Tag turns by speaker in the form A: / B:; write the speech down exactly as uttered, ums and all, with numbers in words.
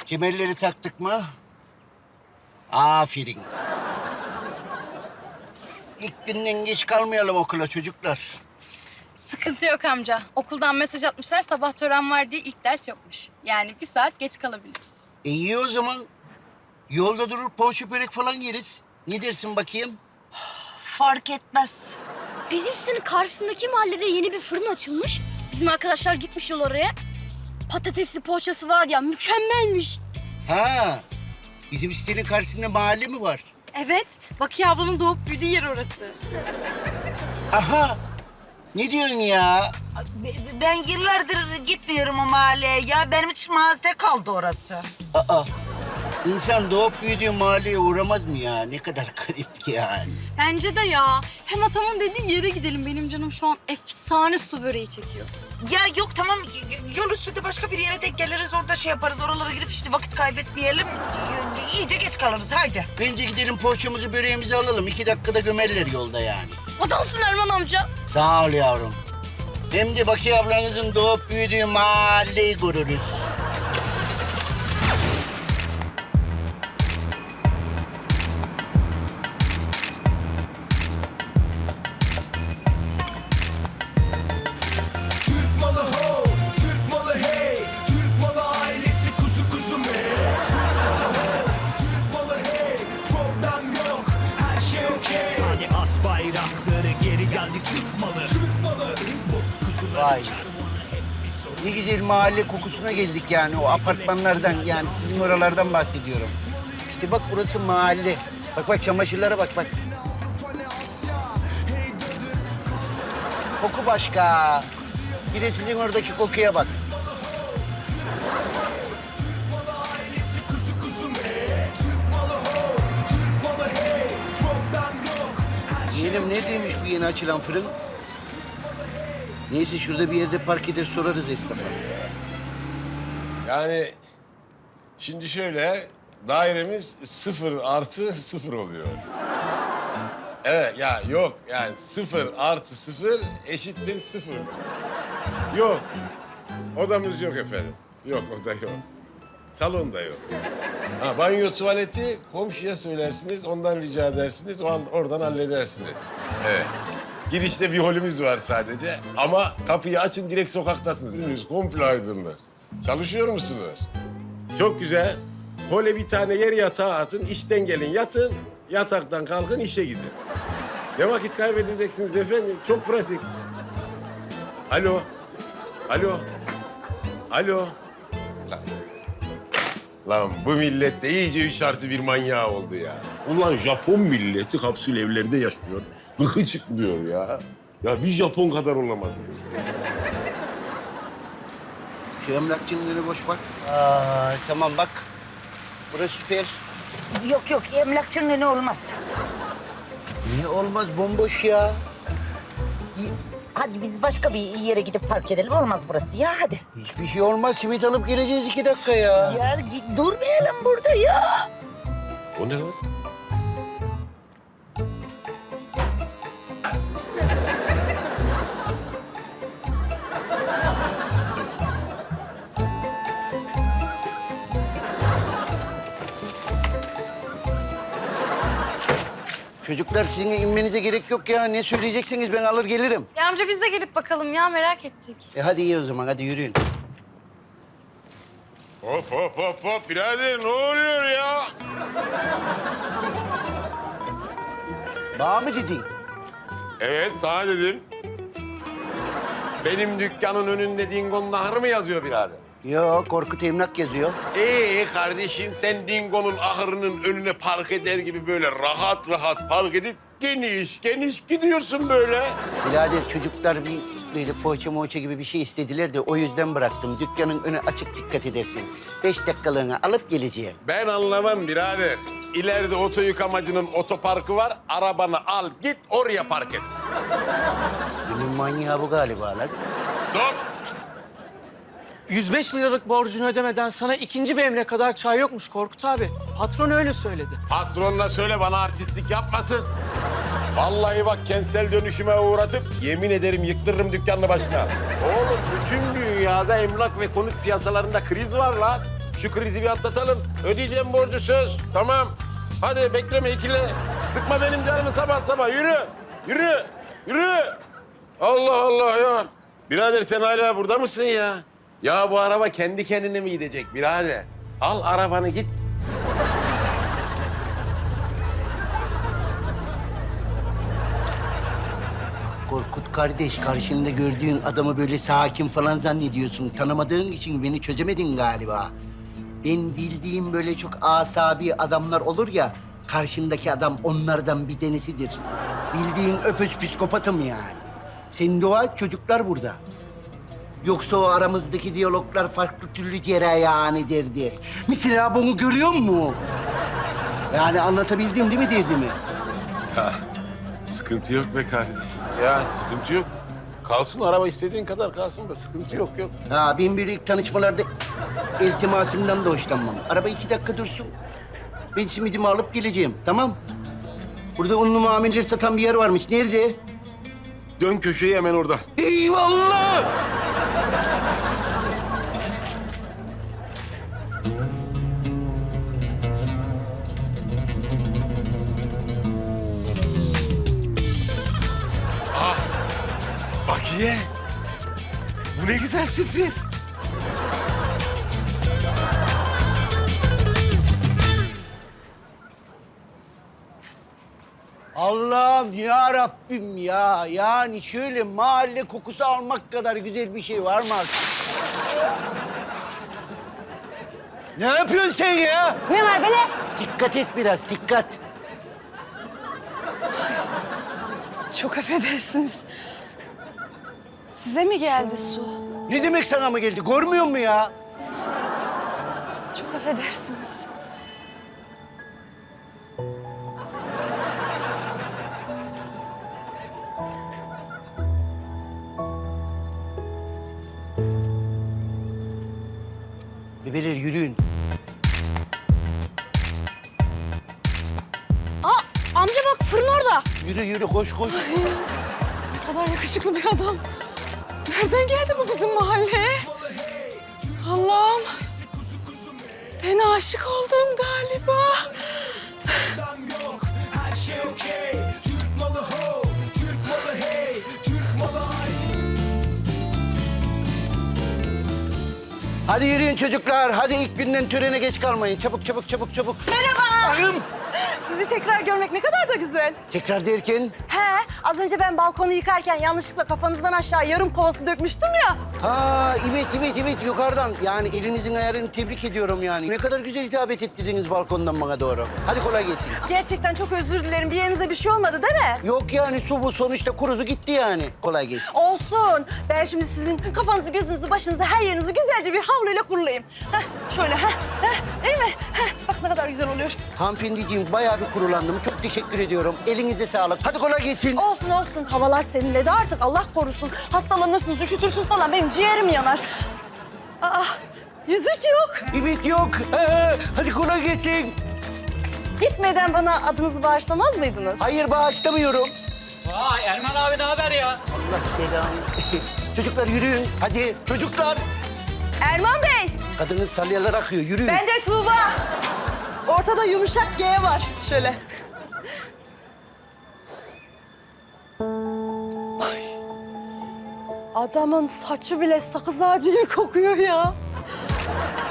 A: Kemerleri taktık mı? Aferin. İlk günden geç kalmayalım okula çocuklar.
B: Sıkıntı yok amca. Okuldan mesaj atmışlar sabah tören var diye ilk ders yokmuş. Yani bir saat geç kalabiliriz.
A: E iyi o zaman. Yolda durur poğaça börek falan yeriz. Ne dersin bakayım?
C: Fark etmez.
D: Bizim sitenin karşısındaki mahallede yeni bir fırın açılmış. Bizim arkadaşlar gitmişler oraya. Patatesli poğaçası var ya, mükemmelmiş.
A: Ha, bizim sitenin karşısında mahalle mi var?
B: Evet. Bakiye ablanın doğup büyüdüğü yer orası.
A: Aha, ne diyorsun ya?
C: Be- Ben yıllardır gitmiyorum o mahalleye ya. Benim için mazide kaldı orası.
A: Aa, insan doğup büyüdüğü mahalleye uğramaz mı ya? Ne kadar garip ki yani.
B: Bence de ya. Hem atamın dediği yere gidelim. Benim canım şu an efsane su böreği çekiyor.
C: Ya yok tamam y- yol üstünde başka bir yere denk geliriz orada şey yaparız. Oralara girip işte vakit kaybetmeyelim. Y- İyice geç kalırız haydi.
A: Bence gidelim poğaçamızı böreğimizi alalım. İki dakikada gömerler yolda yani.
D: Adamsın Erman amca.
A: Sağ ol yavrum. Hem de Bakiye ablanızın doğup büyüdüğü mahalleyi görürüz.
E: Türk malı ho, Türk malı hey, Türk malı ailesi kuzu kuzu me. Türk malı ho, Türk malı hey, problem yok, her şey okey. Hadi as bayrakları geri geldi Türk malı. Türk malı, kuzuları
A: Vay. Ne güzel mahalle kokusuna geldik yani o apartmanlardan yani sizin oralardan bahsediyorum. İşte bak burası mahalle. Bak bak çamaşırlara bak bak. Koku başka. Bir de sizin oradaki kokuya bak. Yeğenim neredeymiş bu yeni açılan fırın? Neyse şurada bir yerde park eder sorarız esnafa.
F: Yani şimdi şöyle dairemiz sıfır artı sıfır oluyor. Evet ya yok yani sıfır artı sıfır eşittir sıfır. Yok. Odamız yok efendim. Yok oda yok. Salon da yok. Ha, banyo tuvaleti komşuya söylersiniz, ondan rica edersiniz, o an oradan halledersiniz. Evet. Girişte bir holümüz var sadece ama kapıyı açın direkt sokaktasınız. Önünüz komple aydınlık. Çalışıyor musunuz? Çok güzel. Hole bir tane yer yatağı atın, işten gelin yatın, yataktan kalkın işe gidin. Ne vakit kaybedeceksiniz efendim? Çok pratik. Alo. Alo. Alo. Lan, Lan bu millet de iyice üç artı bir manyağı oldu ya. Ulan Japon milleti kapsül evlerde yaşıyor. Gıkı çıkmıyor ya. Ya bir Japon kadar olamaz.
A: Şu emlakçının önü boş bak. Aa, tamam bak. Burası süper.
C: Yok yok emlakçının önü olmaz.
A: Niye olmaz bomboş ya?
C: Y- Hadi biz başka bir yere gidip park edelim. Olmaz burası ya hadi.
A: Hiçbir şey olmaz. Simit alıp geleceğiz iki dakika ya.
C: Ya git, durmayalım burada ya.
F: O ne lan?
A: Çocuklar sizin inmenize gerek yok ya. Ne söyleyecekseniz ben alır gelirim.
B: Ya amca biz de gelip bakalım ya merak ettik.
A: E hadi iyi o zaman. Hadi yürüyün.
F: Hop hop hop hop birader ne oluyor ya?
A: Bana mı dedin?
F: Evet sana dedim. Benim dükkanın önünde Dingo'nun ahırı mı yazıyor birader?
A: Yok, Korkut Emlak yazıyor.
F: Ee kardeşim sen Dingo'nun ahırının önüne park eder gibi böyle rahat rahat park edip geniş geniş gidiyorsun böyle.
A: Birader çocuklar bir böyle poğaça moğaça gibi bir şey istediler de o yüzden bıraktım. Dükkanın önü açık dikkat edersin. Beş dakikalığına alıp geleceğim.
F: Ben anlamam birader. İleride oto yıkamacının otoparkı var. Arabanı al git oraya park et.
A: Günün manyağı bu galiba lan.
F: Stop.
G: yüz beş liralık borcunu ödemeden sana ikinci bir emre kadar çay yokmuş Korkut abi. Patron öyle söyledi.
F: Patronuna söyle bana artistlik yapmasın. Vallahi bak kentsel dönüşüme uğratıp yemin ederim yıktırırım dükkanını başına. Oğlum bütün dünyada emlak ve konut piyasalarında kriz var lan. Şu krizi bir atlatalım. Ödeyeceğim borcu söz. Tamam. Hadi bekleme ikile. Sıkma benim canımı sabah sabah. Yürü. Yürü. Yürü. Allah Allah ya. Birader sen hala burada mısın ya? Ya bu araba kendi kendine mi gidecek birader? Al arabanı git.
A: Korkut kardeş, karşında gördüğün adamı böyle sakin falan zannediyorsun. Tanımadığın için beni çözemedin galiba. Ben bildiğim böyle çok asabi adamlar olur ya, karşındaki adam onlardan bir tanesidir. Bildiğin öpüz psikopatım yani. Senin dua çocuklar burada. Yoksa o aramızdaki diyaloglar farklı türlü cereyan ederdi. Mesela bunu görüyor musun? Yani anlatabildim değil mi derdimi?
F: Ya sıkıntı yok be kardeş. Ya sıkıntı yok. Kalsın araba istediğin kadar kalsın da sıkıntı yok yok.
A: Ha, ben böyle ilk tanışmalarda iltimasımdan da hoşlanmam. Araba iki dakika dursun. Ben simidimi alıp geleceğim, tamam? Burada unlu mamuller satan bir yer varmış. Nerede?
F: Dön köşeyi hemen orada.
A: Eyvallah!
F: Bakiye. Bu ne güzel sürpriz.
A: Allah'ım ya Rabbim ya. Yani şöyle mahalle kokusu almak kadar güzel bir şey var mı artık? Ne yapıyorsun sen ya?
C: Ne var böyle?
A: Dikkat et biraz, dikkat.
H: Çok affedersiniz. Size mi geldi su?
A: Ne demek sana mı geldi? Görmüyor musun ya?
H: Çok affedersiniz.
A: Bebeler yürüyün.
D: Aa amca bak fırın orada.
A: Yürü yürü, koş koş.
H: Ne kadar yakışıklı bir adam. Nereden geldi bu bizim mahalleye? Allah'ım. Ben aşık oldum galiba.
E: Problem yok, her şey okey. Türk malı ho, Türk malı hey, Türk malı ay.
A: Hadi yürüyün çocuklar. Hadi ilk günden törene geç kalmayın. Çabuk çabuk çabuk çabuk.
H: Merhaba.
A: Arım.
H: Sizi tekrar görmek ne kadar da güzel.
A: Tekrar derken?
H: He, az önce ben balkonu yıkarken yanlışlıkla kafanızdan aşağı yarım kovası dökmüştüm ya.
A: Ha evet evet evet yukarıdan. Yani elinizin ayarını tebrik ediyorum yani. Ne kadar güzel hitabet ettirdiniz balkondan bana doğru. Hadi kolay gelsin.
H: Gerçekten çok özür dilerim. Bir yerinize bir şey olmadı değil mi?
A: Yok yani su bu sonuçta kurudu gitti yani. Kolay gelsin.
H: Olsun. Ben şimdi sizin kafanızı, gözünüzü, başınızı, her yerinizi güzelce bir havluyla kurulayım. Heh, şöyle, heh, heh, değil mi? Heh, bak ne kadar güzel oluyor.
A: Hanımefendiciğim bayağı bir kurulandım. Çok teşekkür ediyorum. Elinize sağlık. Hadi kolay gelsin.
H: Olsun olsun. Havalar serinledi artık. Allah korusun. Hastalanırsınız, üşütürsünüz falan. Benim ciğerim yanar. Aa, yüzük yok.
A: Evet yok. Ee, hadi kolay gelsin.
H: Gitmeden bana adınızı bağışlamaz mıydınız?
A: Hayır bağışlamıyorum.
I: Vay Erman abi ne haber ya?
A: Allah belanı. Çocuklar yürüyün. Hadi çocuklar.
H: Erman Bey,
A: Kadının salyalar akıyor. Yürüyün.
H: ben de Tuğba. Ortada yumuşak G var. Şöyle. Ay. Adamın saçı bile sakız ağacı gibi kokuyor ya.